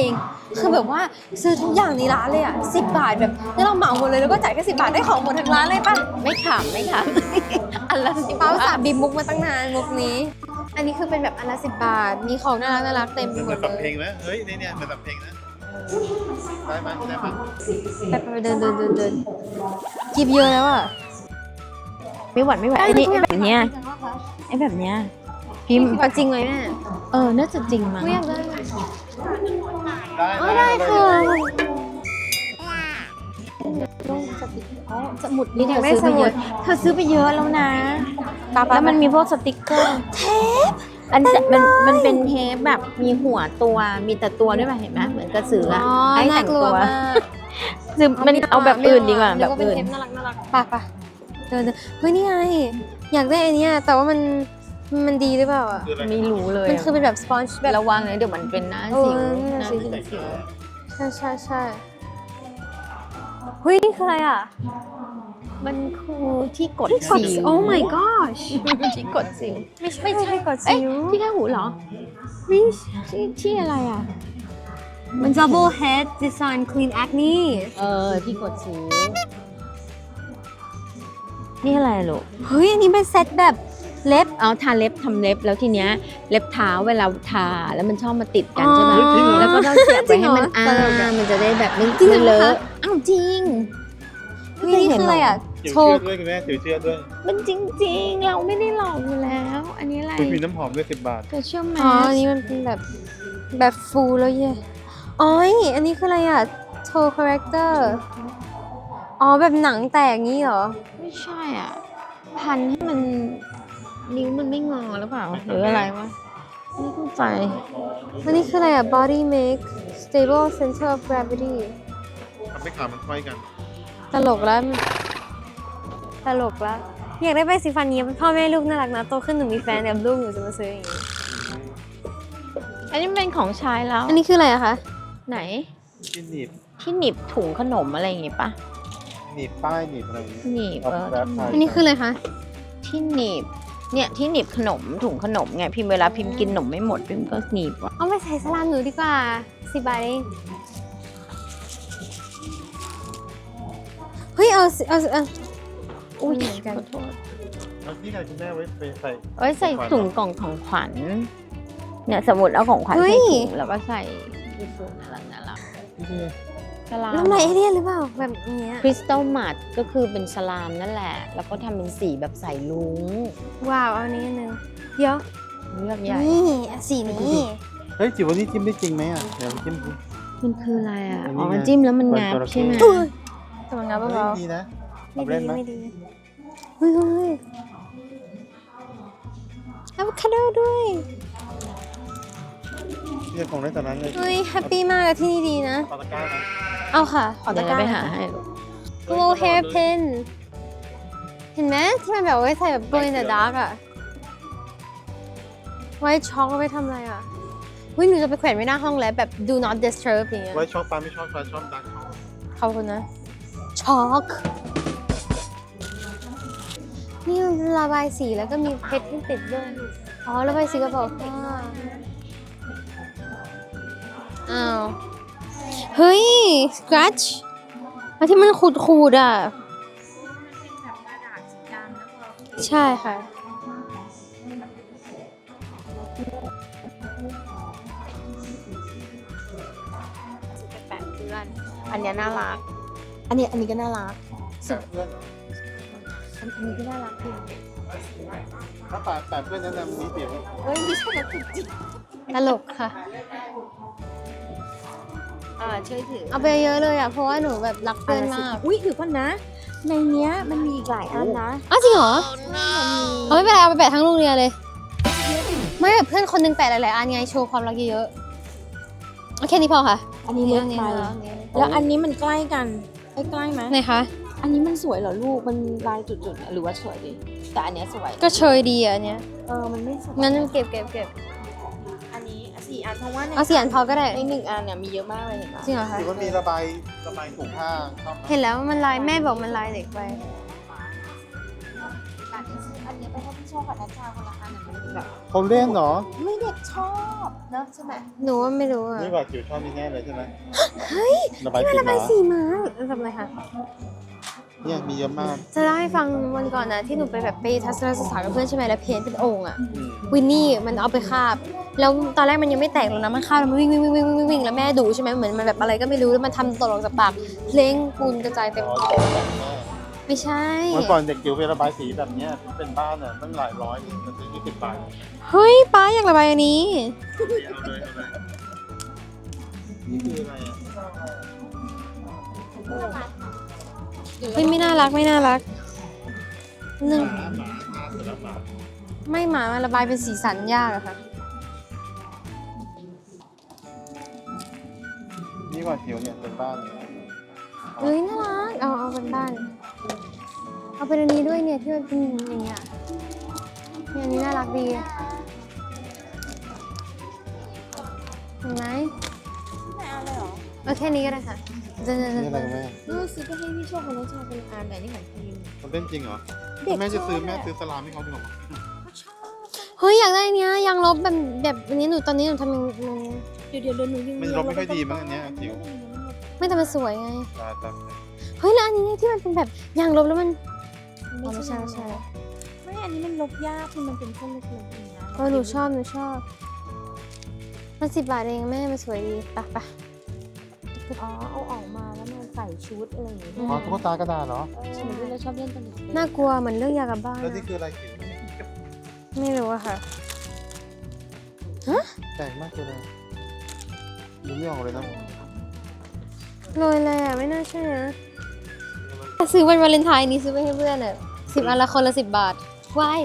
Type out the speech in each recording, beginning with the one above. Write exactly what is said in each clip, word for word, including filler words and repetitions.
องคือแบบว่าซื้อทุกอย่างในร้านเลยอ่ะสิบบาทแบบนี่เราเหมาหมดเลยแล้วก็จ่ายแค่สิบบาทได้ของหมดทั้งร้านเลยป่ะไม่ขำไม่ขำ อันละสิบป้าบาสาทบีบมุกมาตั้งนานมุกนี้ อันนี้คือเป็นแบบอันละสิบบาทมีของน่ารักน่ารักเต็มไปมันหเหมมือดนแบบเลเพลยงนะเฮ้ยนี่เนี่ยเหมือนแบบเพลงนะได้ไหมได้ไหมไปไปเดินเดินเดินเดินกิบเยอะแล้วอ่ะไม่หวัดไม่ไหวไอ้นี่ไอ้แบบเนี้ยไอ้แบบเนี้ยพิมพ์จริงไหมแม่เออน่าจะจริงมั้งไม่อยากได้ได้อ๋อได้ค่ะอ๋อสมุดนี่อเธยากอได้ซื้อสไปมุเยดอะเธอซื้อไปเยอะแล้วนะป๊าป๊าแล้วมันมีพวกสติกเกอร์เทปอันจะมันมันเป็นเทปแบบมีหัวตัวมีแต่ตัวด้วยป่ะเห็นไหมเหมือนกระสืออะอ๋อให้น่าแต่งกลัวตัวมากคือมันเอาแบบอื่นดีกว่าแบบเป็นอื่นเทปน่ารักน่ารักป่ะป่ะเดินเดินเฮ้ยนี่ไงอยากได้อันเนี้ยแต่ว่ามันมันดีหรือเปล่าอ่ะคืออะไรไม่รู้เลยมันอะคือเป็นแบบสปอนจ์แบบระวังนะเดี๋ยวมันเป็นหน้าเออสิวนั่นหน่ะน้าสิสิวใช่ใช่ใช่เฮ้ยนี่คืออะไรอ่ะมันคือที่กดที่กดสิวโอ้ my gosh ที่กดสิวไม่ใช่ไม่ใช่กดเอ้ยสิวที่แค่หูเหรอไม่ที่ที่อะไรอ่ะมัน double head design clean acne เออที่กดสิวนี่อะไรลูกเฮ้ยอันนี้เป็นเซตแบบเล็บเอาทาเล็บทำเล็บแล้วทีเนี้ยเล็บเท้าเวลาทาแล้วมันชอบมาติดกันใช่ไหมอ๋อแล้วก็ต้องเสียบไปให้มันจริงเหรออ้าตลกอะมันจะได้แบบไม่จริงเหรอไม่เลคะอะอ้าวจริงเฮ้ยนี่คืออะไรอ่ะถือโชเชือว์กด้วยคุณแม่ถือเชือกด้วยมันจริง ๆ เราไม่ได้หลอกอยู่แล้ว อันนี้อะไรคุณมีน้ำหอมด้วยสิบบาทเธอเชื่อไหมอ๋ออันนี้มันเป็นแบบแบบฟูลแล้วเย่อ๋ออันนี้คืออะไรอ่ะโชว์คาแรคเตอร์อ๋อแบบหนังแตกงี้เหรอไม่ใช่อ่ะ พันให้มันนิ้วมันไม่งอหรือเปล่า หรืออะไรวะไม่เข้าใจอันนี้คืออะไรอ่ะ body make stable center of gravity ทำให้ขามันค่อยกันตลกแล้ว ตลกแล้ว อยากได้ไปสีฟันนี้พ่อแม่ลูกน่ารักนะ โตขึ้นหนูมีแฟนกับลูกหนูจะมาซื้ออย่างนี้อันนี้เป็นของใช้แล้วอันนี้คืออะไรอะคะไหนที่หนีบที่หนีบถุงขนมอะไรอย่างงี้ปะหนีบป้ายหนีบอะไรอย่างเงี้ยหนีบเอาเออแรปไปอันนี้คืออะไรคะที่หนีบเนี่ยที่หนีบขนมถุงขนมไงพิมพ์เวลาพิมพ์กินขนมไม่หมดพิมพ์ก็หนีบอ่ะเอาไปใส่สลามหนูดีกว่าสิบบาทเอง เฮ้ย เอาสิเอาสิเอาอุ้ยเหมือนกันขอโทษแล้วนี่ไงคุณแม่ไว้ไปใส่เอาไว้ใส่ถุงกล่องของขวัญเนี่ยสมมติเอาของขวัญเฮ้ใส่ยถุงแล้วก็ใส่ที่ถุงน่ารักน่ารักที่นี่สลามน้ำลายเอเลี่ยนหรือเปล่า แบบเนี้ยคริสตัลมัดก็คือเป็นสลามนั่นแหละ แล้วก็ทำเป็นสีแบบใส่ลุงว้าว เอาอันนี้อันหนึงเดี๋ยวเลือกใหญ่นี่สีนี้เฮ้ยจิ๋ววันนี้จิ้มได้จริงไหมอ่ะเดี๋ยวจิ้มดูมันคืออะไรอ่ะอันนี้อ๋อไงจิ้มแล้วมันงับจระเข้ใช่ไหมอุ้ยแต่มันงับเฮ้ยเบาดีนะๆเอาไม่เล่ดีนไหมไม่ดีเฮ้ยเฮ้ยอะโวคาโดด้วยเรียกของได้ตอนนั้นเลยเฮ้ย แฮปปี้มากอะที่นี่ดีนะปาตะกร้านะเอาค่ะ ขอเดี๋ตะยวกเราร้าไปหาให้ลูก glow hair pin เห็นไหมที่มันแบบไว้ใส่แบบ glow in the dark อะไว้ช็อกเอาไว้ทำอะไรอะเฮ้ยหนูจะไปแขวนไว้หน้าห้องแล้วแบบ do not disturb อย่างเงี้ยไว้ช็อกปลาไม่ชอบปลาชอบดักช็อกขอบคุณนะ ช็อก นี่มันระบายสีแล้วก็มีเพชรที่ติดด้วย อ๋อระบายสีกระบอกผ้าอ้าว เฮ้ย scratch อันที่มันขูดขูดๆอ่ะ ใช่ค่ะแปะเพื่อนอันเนี้ยน่ารัก อันนี้อันนี้ก็น่ารักเพื่อนอันนี้ก็น่ารักจริงถ้าแปะแปะเพื่อนแนะนำนี้เดี๋ยวเฮ้ยไม่ใช่นะจริงตลกค่ะอ่าช่วยถือเอาไปเยอะเลยอ่ะ เพราะว่าหนูแบบรักเพื่อนมากอุ้ยถือก่อนนะ ในเนี้ยมันมีอีกหลายอันนะอ้าวจริงเหรอเอาไม่เป็นไรเอาไปแปะทั้งโรงเรียนเลย ไม่แบบเพื่อนคนหนึงแปะหลายๆอันไงโชว์ความรักเยอะๆโอเคนี้พอค่ะอันนี้เล็กไปอันนี้แล้วอันนี้มันใกล้กันใกล้ใกล้ไหมไหนคะอันนี้มันสวยเหรอลูก มันลายจุดๆหรือว่าสวยดี แต่อันเนี้ยสวยก็เชยดีอ่ะอันเนี้ยเออ มันไม่สวยงั้นเก็บเก็บเก็บอันนี้สี่อันเพราะว่าในเอาสี่อันพอก็ได้ในหนึ่งอันเนี่ยมีเยอะมากเลยเห็นปะจริงเหรอคะถือว่ามีระบายระบายถุงผ้าชอบไหมเห็นแล้วมันลายแม่บอกมันลายเด็กไปอันนี้ไปให้พี่โชคกับนัชชาคนละอันมันแบบเขาเล่นเหรอไม่เด็กชอบเนอะใช่ไหมหนูว่าไม่รู้อ่ะนี่ว่าจิ๋วชอบนี่แน่เลยใช่ไหมเฮ้ยระบายที่สีมันระบายมาสีมาทำอะไรคะเนี่ยมีเยอะมากจะเล่าให้ฟังวันก่อนนะที่หนูไปแบบไปทัศนศึกษากับเพื่อนใช่ไหมแล้วเพ้นท์เป็นโอ่งอ่ะอืมวินนี่มันเอาไปคาบ แล้วตอนแรกมันยังไม่แตกหรอกนะมันคาบแล้วมันวิ่งวิ่งวิ่งวิ่งวิ่งวิ่งแล้วแม่ดุใช่ไหมเหมือนมันแบบอะไรก็ไม่รู้แล้วมันทำตกออกจากปากเพลงปูนกระจายเต็มอ๋อโต๊ะแบบแม่ไม่ใช่เมื่อก่อนเด็กจิ๋วไประบายสีแบบเนี้ยเป็นบ้านอ่ะตั้งหลายร้อยมันซื้อยี่สิบบาทเฮ้ยป้าอยากระบายอันนี้เอาเลยเอาเลยนี่คืออะไรอ่ะเฮ้ยไม่น่ารักไม่น่ารักหนึ่งหมาหมาหมาเสร็จแล้วหมาไม่หมามาระบายเป็นสีสันยากอะค่ะนี่ว่าจิ๋วเนี่ยเป็นบ้านเฮ้ยน่ารัก เอาเอาเป็นบ้าน เอาเป็นอันนี้ด้วยเนี่ยที่มันเป็นอย่างเงี้ยเนี่ยอันนี้น่ารักดีเห็นไหมไม่เอาเลยเหรอเอาแค่นี้ก็ได้ค่ะจะนี่อะไรแม่เออซื้อไปให้พี่โชคกับนัชชาคนละอันแต่นี่ของพิมมันเล่นจริงเหรอเด็กแม่จะซื้อชอบแม่อะซื้อสลามให้เขาจริงเหรอเฮ้ยอยากได้อันเนี้ยยางลบแบบแบบอันนี้หนูตอนนี้หนูทำยังไงเดี๋ยวเดี๋ยวเดี๋ยวหนูยังมันลบไม่ค่อยดีมั้งอันเนี้ยจิ๋วไม่แต่มันสวยไงตาตาเฮ้ยแล้วอันนี้ที่มันเป็นแบบยางลบแล้วมันไม่ไม่ใช่ใช่ไม่ไม่ใช่ไม่อันนี้มันลบยากคือมันเป็นเส้นเล็กๆอย่างเงี้ยเออหนูชอบหนูชอบ มันสิบบาทเองแม่มันสวยดีไปไปอ๋อเอาออกมาแล้วมันใส่ชุดอะไรอย่างเงี้ยอ๋อตุ๊กตากระดาษเหรอเออเหมือนที่เราชอบเล่นตอนเด็กๆน่ากลัวเหมือนเรื่องยากลับบ้านแล้วอะนี่คืออะไรจิ๋วไม่รู้อะค่ะแปลกมากเลยดูไม่ออกเลยนะโรยเลยอะไม่น่าเชื่อนะซื้อวันวาเลนไทน์นี้ซื้อไปให้เพื่อนอะสิบอันละคนละสิบบาทวาย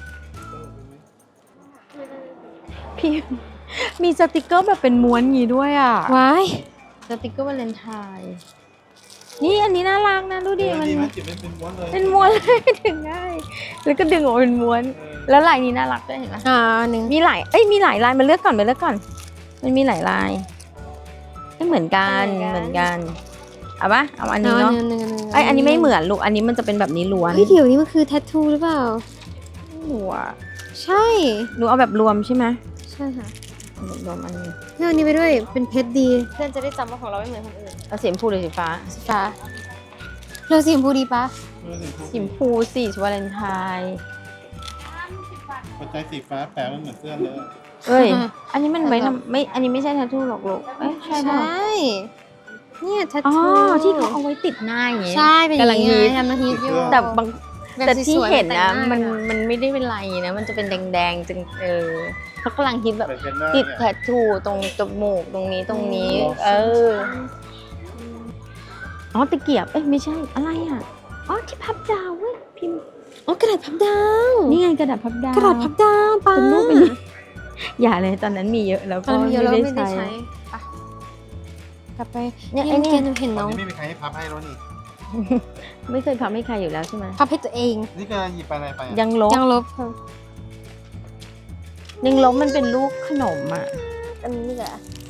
พี่มีสติกเกอร์แบบเป็นม้วนงี้ด้วยอ่ะวายสติกเกอร์วาเลนไทน์นี่อันนี้น่ารักนะดูดิมันดีไหมจิ๋วเป็นม้วนเลยเป็นม้วนเลยดึงง่ายแล้วก็ดึงออกเป็นม้วน แล้วลายนี้น่ารักด้วยเห็นไหมอ่าหนึ่งมีหลายเอ้ยมีหลายลายมาเลือกก่อนมาเลือกก่อน มันมีหลายลายไม่เหมือนกันเหมือนกันเอาปะเอาอันนี้เนาะหนึ่งหนึ่งหนึ่งไอยอันนี้ไม่เหมือนลูกอันนี้มันจะเป็นแบบนี้ล้วนเฮ้ยเดี๋ยวนี้มันคือแทททูหรือเปล่าหนูอะใช่หนูเอาแบบรวมใช่ไหมใช่ค่ะเอาแบบรวมอันนี้เรื่องนี้ไปด้วยเป็นเพชรดี เพื่อนจะได้จำว่าของเราไม่เหมือนคนอื่นเอาสีชมพูหรือสีฟ้าสีฟ้าเราสีชมพูดีปะสีชมพูสีวาเลนไทน์ปัจจัยสีฟ้าแปลว่าเหมือนเสื้อเลยเอ้ยอันนี้มันไว้ทำไม่อันนี้ไม่ใช่แทททูหรอกลูกเอ้ยใช่ใชปะ่เนี่ยแททอ๋อทูที่เขาเอาไว้ติดหน้าอย่างงี้ใช่เป็นอย่างกำลังนี้ฮิตทำมาฮิตอยู่แต่บางแบบแต่ที่สวยๆเห็นนะแต่งหามันอะมันไม่ได้เป็นไรนะ มันจะเป็นแดงๆจึงเออเขากำลังฮิตแบบเหมือนเทรนเนอร์ติดเนี่ยแทททูตรงจมูกตรงนี้ตรงนี้อืมเอออ๋อตะเกียบเอ้ยไม่ใช่อะไรอ่ะอ๋อที่พับดาวเว้ยพิมพ์อ๋อกระดาษพับดาวนี่ไงกระดาษพับดาวกระดาษพับดาวป้าเป็นรูปเป็นอย่าเลยตอนนั้นมีเยอะแล้วตก็อนนี้เยอะแล้วไม่ไม่ได้ได้ใช้ใช้ไปกลับไปเนี่ยนี่ไอ้เมื่อเนี่กี้ยหนูเห็นตน้ออน งนี้ไม่มีใครให้พับให้แล้วนี่ไม่เคยพับให้ใครอยู่แล้วใช่ไหมพับให้ตัวเองนี่ก็หยิบไปอะไรไปอะยังลบยังลบค่ะยังลบมันเป็นลูกขนมอ่ะอันนี้แหละ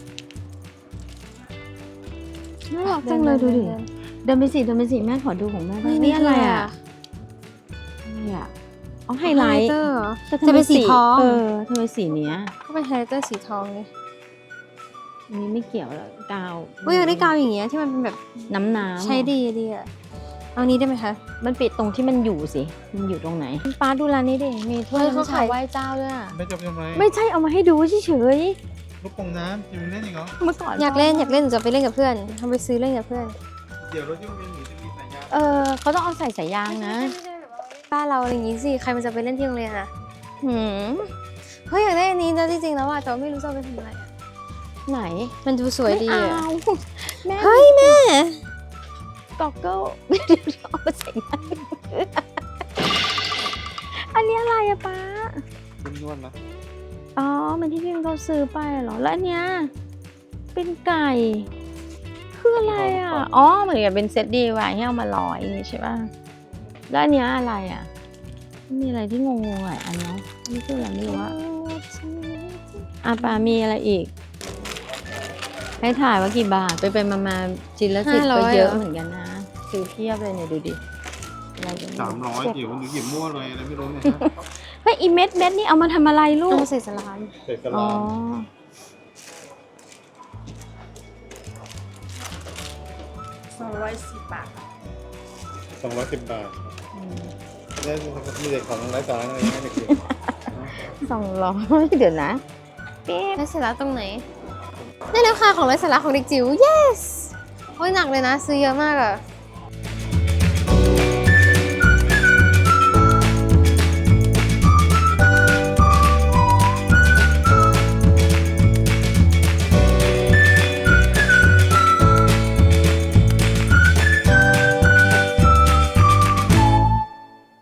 น่ารักจังเลยดูดิเดินไปสิเดินไปสิแม่ขอดูของแม่บ้างนี่อะไรอ่ะนี่อ่ะอ๋อไฮไลท์เตอร์เหรอแต่ทำจะไมเป็นสีทองเออทำไมสีเนี้ยก็เป็นไฮไลท์เตอร์สีทองไงอันนี้ไม่เกี่ยวหรอกกาวอุ้ยอยากได้กาวอย่างเงี้ยที่มันเป็นแบบน้ำน้ำใช้ดีดีอ่ะเอานี้ได้ไหมคะมันปิดตรงที่มันอยู่สิ มันอยู่ตรงไหนป้าดูร้านนี้ดิมีถ้วยเฮ้ยเขาน้ำชาขายไหว้เจ้าด้วยอะไม่จบทำไมไม่ใช่เอามาให้ดูเฉยลูกโป่งน้ำจิ๋วเล่นอีกเหรอๆเมื่อก่อนอยากเล่นอยากเล่นหนูจะไปเล่นกับเพื่อนทำไปซื้อเล่นกับเพื่อนเดี๋ยวรถยุ่งเวียนหนูจะมีสายยางเออเขาต้องเอาใส่สายยางนะบ้านเราอะไรอย่างงี้สิใครมันจะไปเล่นที่โรงเรียนอ่ะหืมเฮ้ยอยากได้อันนี้นะจริงๆแล้วอ่ะแต่ว่าไม่รู้จะเอาไปทำอะไรอะไหนมันดูสวยดีไม่อ่ะเอาแม่เฮ้ยแม่กอกเกิลเดี๋ยวเอามาใส่หน้าอันนี้อะไรอะป้าเป็นนวดนะอ๋อ มันที่พี่มันเขาซื้อไปเหรอ แล้วอันเนี้ย เป็นไก่ คืออะไรอ่ะ อ๋อ เหมือนกับเป็นเซตดีไว้ให้เอามาลอยอย่างงี้ใช่ป่ะ แล้วอันเนี้ยอะไรอ่ะ มีอะไรที่งงๆหลายอันเนาะนี่คืออะไรไม่รู้อะอ่ะปามีอะไรอีก ให้ถ่ายว่ากี่บาท ไปไปมามาๆจินละสิบก็เยอะเหมือนกันนะซื้อเพียบเลยเนี่ยดูดิอะไรอย่างเงี้ยสามร้อยเจ็บจิ๋วหนูหยิบมั่วเลยอะไรไม่รู้เนี่ยนะเฮ้ยอีเม็ดเม็ดนี่เอามาทำอะไรลูเอากมาใส่สลามใส่สอ๋อลามสองร้อยสิบบาทสองร้อยสิบบาทอืมได้มีเด็กของไร้สาระอะไรให้เด็กสองร้อยเดี๋ยวนะเป๊ะไร้สาระตรงไหนได้แล้วค่ะของไร้สาระของเด็กจิ๋ว yes โอ้ยหนักเลยนะ ซื้อเยอะมากอะ